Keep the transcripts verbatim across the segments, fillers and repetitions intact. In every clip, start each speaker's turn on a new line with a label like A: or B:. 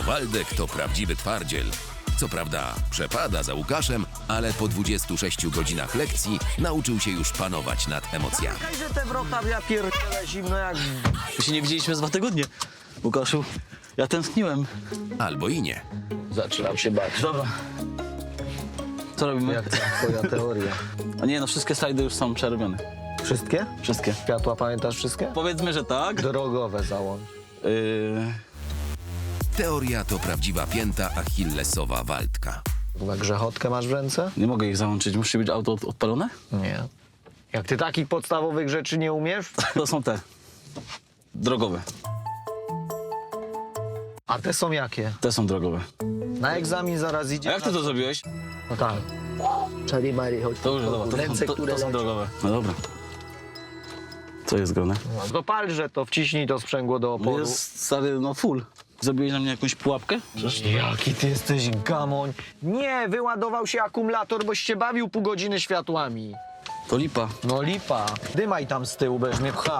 A: Waldek to prawdziwy twardziel. Co prawda przepada za Łukaszem, ale po dwudziestu sześciu godzinach lekcji nauczył się już panować nad emocjami.
B: Czekaj, że te wrota, ja pierdolę zimno jak...
C: My się nie widzieliśmy z dwa tygodnie. Łukaszu, ja tęskniłem.
A: Albo i nie.
B: Zaczynam się bać.
C: Dobra. Co robimy?
B: Jak ta twoja teoria?
C: A nie, no wszystkie slajdy już są przerobione.
B: Wszystkie?
C: Wszystkie.
B: Światła pamiętasz wszystkie?
C: Powiedzmy, że tak.
B: Drogowe załącz.
C: Yy...
A: Teoria to prawdziwa pięta achillesowa Waldka.
B: Na grzechotkę masz w ręce?
C: Nie mogę ich załączyć. Musi być auto od- odpalone?
B: Nie. Jak ty takich podstawowych rzeczy nie umiesz?
C: To są te. Drogowe.
B: A te są jakie?
C: Te są drogowe.
B: Na egzamin zaraz
C: A
B: idzie.
C: jak ty to zrobiłeś?
B: No tak. Czary Mary, chodź.
C: To już, dobra. To,
B: Ręce,
C: to,
B: które
C: to są
B: lecą.
C: drogowe. No dobra. Co jest grane?
B: No to palże to, wciśnij to sprzęgło do oporu.
C: Jest stary, no full. Zrobiłeś na mnie jakąś pułapkę? Przecież...
B: Jaki ty jesteś gamoń. Nie, wyładował się akumulator, boś się bawił pół godziny światłami.
C: To lipa.
B: No lipa. Dymaj tam z tyłu, będziesz mnie pchał.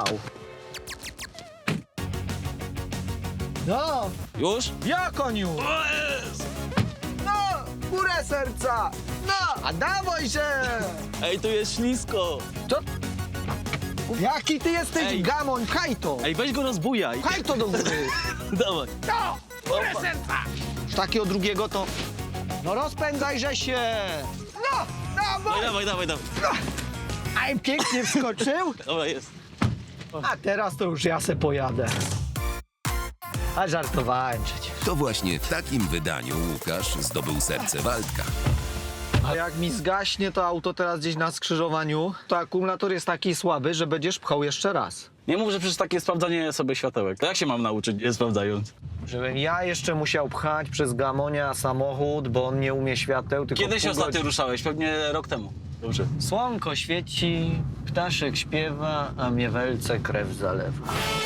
B: No,
C: Już?
B: ja koniu! No, górę serca! No, a dawaj się!
C: Ej, tu jest ślisko.
B: Co? Jaki ty jesteś
C: Ej.
B: gamoń, pchaj to!
C: Ej, weź go rozbujaj.
B: Pchaj to do góry!
C: Dawaj.
B: No, górę serca! Takiego drugiego to... No rozpędzaj, że się! No,
C: Dawaj,
B: dawaj!
C: dawaj, dawaj, dawaj.
B: Aj, pięknie wskoczył!
C: Dobra, jest.
B: A teraz to już ja se pojadę. A żartowałem przecież.
A: To właśnie w takim wydaniu Łukasz zdobył serce Waldka.
B: A jak mi zgaśnie to auto teraz gdzieś na skrzyżowaniu, to akumulator jest taki słaby, że będziesz pchał jeszcze raz.
C: Nie mów, że przecież takie sprawdzanie sobie światełek. To jak się mam nauczyć, nie sprawdzając?
B: Żebym ja jeszcze musiał pchać przez gamonia samochód, bo on nie umie świateł, tylko
C: Kiedy się
B: pół
C: ostatnio
B: godziny.
C: ruszałeś? Pewnie rok temu. Dobrze.
B: Słonko świeci, ptaszek śpiewa, a mnie welce krew zalewa.